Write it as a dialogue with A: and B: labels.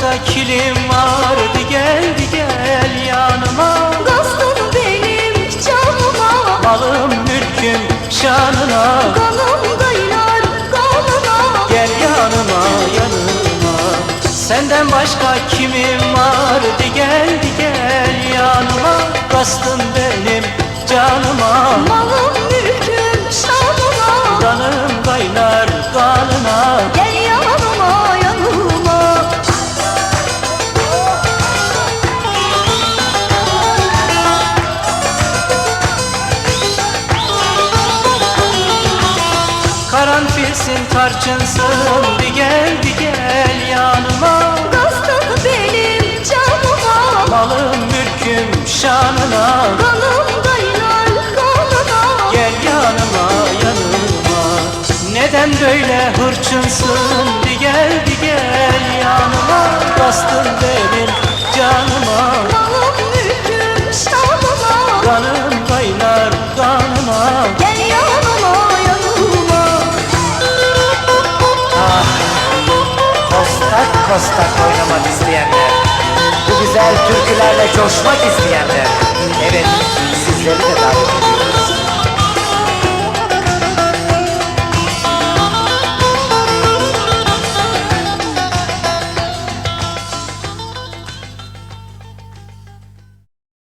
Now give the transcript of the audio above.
A: başka kilim vardı, geldi gel yanıma.
B: Kastın benim canıma,
A: Malım mülküm şanına,
B: kanım kaynar kanına.
A: gel yanıma yanıma. Senden başka kimim vardı, geldi gel yanıma. Kastın benim canıma,
B: Malım mülküm şanıma,
A: kanım kaynar kanına.
B: gel yanıma yanıma.
A: Karanfilsin tarçınsın, bir gel bir gel yanıma.
B: Kastın benim canıma,
A: Malım mülküm şanına,
B: kanım kaynar kanına.
A: gel yanıma yanıma. Neden böyle hırçınsın, bir gel bir gel yanıma. Bastın benim canıma,
B: Malım mülküm şanıma,
A: kanım kaynar kanına.
B: gel yanıma yanıma.
C: Kostak kostak oynamak isteyenler, bu güzel türkülerle coşmak isteyenler, evet, sizleri de davet ediyorum.